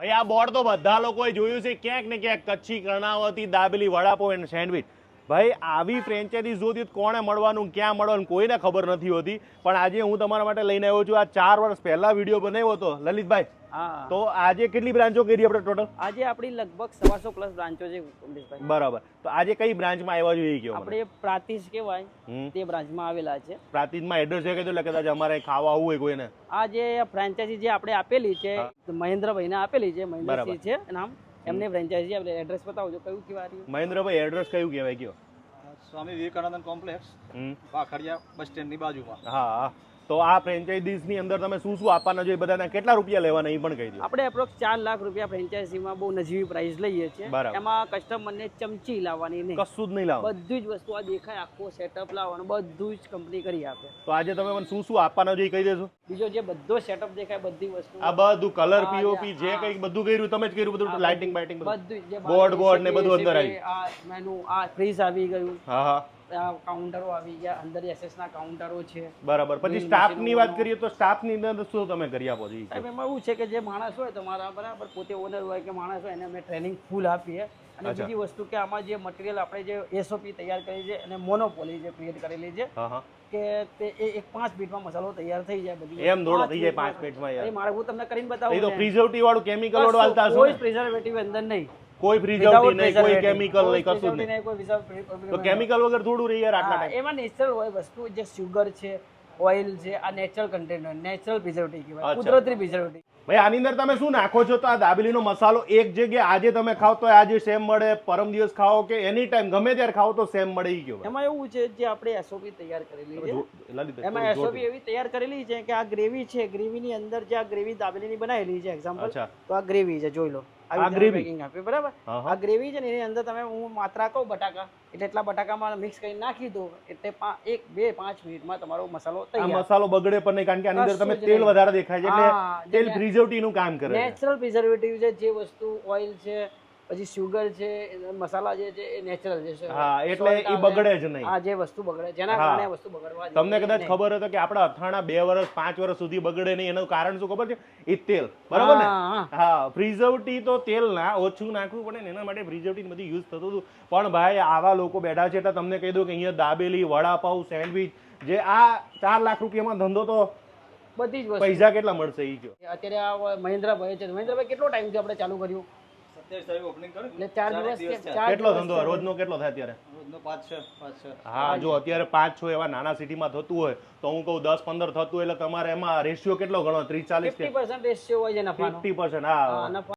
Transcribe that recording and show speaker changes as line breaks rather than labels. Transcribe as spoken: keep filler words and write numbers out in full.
ભાઈ આ બોર્ડ તો બધા લોકોએ જોયું છે ક્યાંક ને ક્યાંક કચ્છી કર્ણાવતી દાબેલી વડાપાવ અને સેન્ડવિચ. ભાઈ આવી ફ્રેન્ચાઇઝી જોતી કોણે મળવાનું ક્યાં મળવાનું કોઈને ખબર નથી હોતી. પણ આજે હું તમારા માટે લઈને આવ્યો છું. આ ચાર વર્ષ પહેલા વિડીયો બનાવ્યો હતો લલિતભાઈ.
હા
તો આજે કેટલી બ્રાન્ચો કરી આપણે ટોટલ?
આજે આપણી લગભગ સવાસો પ્લસ બ્રાન્ચો છે કમલેશભાઈ.
બરાબર. તો આજે કઈ બ્રાન્ચમાં આવ્યા જોઈએ કયો?
આપણે પ્રાતિજ કહેવાય તે બ્રાન્ચમાં આવેલા છે.
પ્રાતિજમાં એડ્રેસ છે કે એટલે કદાચ અમારે ખાવા આવવું હોય કોઈને?
આ જે ફ્રેન્ચાઇઝી જે આપણે આપેલી છે મહેન્દ્રભાઈને આપેલી છે, મહેન્દ્રસિંહ છે નામ એમને ફ્રેન્ચાઇઝી આપણે એડ્રેસ બતાવજો કયું કહેવાય?
મહેન્દ્રભાઈ એડ્રેસ કયું કહેવાય કયો?
Swami Vivekananda complex Vakhadiya bus stand ની બાજુમાં.
હા. તો આ ફ્રેન્ચાઇઝીસ ની અંદર તમે શું શું આપવાના જોઈએ, બધાના કેટલા રૂપિયા લેવાના એ પણ કહી દો.
આપણે એપ્રોક્સ ચાર લાખ રૂપિયા ફ્રેન્ચાઇઝીમાં બહુ નજીવી પ્રાઇસ લઈએ છીએ. એમાં કસ્ટમરને ચમચી લાવવાની નહીં,
કશું જ નહીં લાવવાનું,
બધી જ વસ્તુ આ દેખાય આખો સેટઅપ લાવવાનું બધું જ કંપની કરી આપે.
તો આજે તમે મને શું શું આપવાના જોઈએ કહી દેજો.
બીજો જે બધો સેટઅપ દેખાય બધી વસ્તુ
આ બધું કલર પીઓપી જે કંઈક બધું કર્યું તમે જ કર્યું, બધું લાઇટિંગ બાઇટિંગ
બધું જે
બોર્ડ બોર્ડ ને બધું અંદર આવી.
આ મેનુ આ ફ્રીજ આવી ગયું.
હા હા.
કાઉન્ટરો આવી ગયા, અંદર એસએસ ના કાઉન્ટરો છે.
બરાબર. પછી સ્ટાફ ની વાત કરીએ તો સ્ટાફ ની અંદર શું તમે કરી આપો છો?
સાહેબ એમાં એવું છે કે જે માણસ હોય તમારા બરાબર પોતે ઓનર હોય કે માણસ હોય એને અમે ટ્રેનિંગ ફૂલ આપીએ. અને બીજી વસ્તુ કે આમાં જે મટીરિયલ આપણે જે એસઓપી તૈયાર કરી છે અને મોનોપોલી જે ક્રિએટ કરેલી છે કે તે એક પાંચ મિનિટમાં મસાલો તૈયાર થઈ જાય. બધી
એમ દોડો થઈ જાય પાંચ મિનિટમાં યાર.
મારે હું તમને કરીને બતાવું.
એ તો પ્રિઝર્વેટિવ વાળું કેમિકલ વાળું આલતા હશો.
કોઈ પ્રિઝર્વેટિવ અંદર નહીં,
કોઈ પ્રિઝર્વેટિવ નહીં, કોઈ કેમિકલ નહીં, કશું જ નહીં.
કોઈ
તો કેમિકલ વગર થોડું રહી યાર આટલા ટાઈમ.
એમાં નેચરલ હોય વસ્તુ, જે સુગર છે, ઓઇલ છે, આ નેચરલ કન્ટેન્ટ હોય, નેચરલ પ્રિઝર્વેટિવ કહેવાય, કુદરતી પ્રિઝર્વેટિવ.
ભાઈ આની અંદર તમે શું નાખો છો? તો આ દાબેલીનો મસાલો એક જગ્યાએ આજે તમે ખાઓ તો આજે સેમ મળે, પરમ દિવસ ખાઓ કે એની ટાઈમ ગમે ત્યારે ખાઓ તો સેમ મળે ઈ કયો?
એમાં એવું છે જે આપણે એસઓપી તૈયાર કરેલી છે, એમાં એસઓપી એવી તૈયાર કરેલી છે કે આ ગ્રેવી છે, ગ્રેવીની અંદર જે આ ગ્રેવી દાબેલીની બનાવેલી છે એક્ઝામ્પલ, તો આ ગ્રેવી છે જોઈ લો. આ ગ્રેવી પેકિંગ આપે બરાબર. આ ગ્રેવી છે ને એની અંદર તમે હું માત્રા કહું બટાકા એટલે એટલા બટાકામાં મિક્સ કરી નાખી દો એટલે એક બે પાંચ મિનિટમાં તમારો મસાલો તૈયાર.
મસાલો બગડે પણ નહીં કારણ કે આની અંદર તમે તેલ વધારે દેખાય છે એટલે તેલ પ્રિઝર્વેટિવ નું કામ કરે.
નેચરલ પ્રિઝર્વેટિવ છે, જે વસ્તુ ઓઇલ છે પછી સુગર છે મસાલા જે છે એ નેચરલ છે.
હા એટલે એ બગડે જ નહીં.
આ જે વસ્તુ બગડે જેના કારણે વસ્તુ બગડવા દે.
તમને કદાચ ખબર હોય કે આપણા અથાણા બે વર્ષ પાંચ વર્ષ સુધી બગડે નહીં એનું કારણ શું ખબર છે? એ તેલ. બરાબર ને? હા. પ્રિઝર્વેટિવ તો તેલ ના ઓછું નાખવું પડે ને એના માટે પ્રિઝર્વેટિવ બધી યુઝ થતું હતું. પણ ભાઈ આવા લોકો બેઠા છે એટલે તમને કહી દઉં કે અહીંયા દાબેલી, વડાપાવ, સેન્ડવિચ જે આ ચાર લાખ રૂપિયામાં ધંધો તો
બધી જ
પૈસા કેટલા મળશે એ કયો?
અત્યારે આ મહેન્દ્રભાઈ છે. મહેન્દ્રભાઈ કેટલો ટાઈમ થી આપણે ચાલુ કર્યું?
કેટલો ધંધો રોજનો કેટલો થાય અત્યારે? હા જો અત્યારે પાંચ છ એવા નાના સિટીમાં થતું હોય તો હું કહું દસ પંદર થતું એટલે તમારે એમાં રેશિયો કેટલો ગણો? ત્રીસ ચાલીસ
રેશિયો હોય છે નફાનો.
Fifty percent. હા.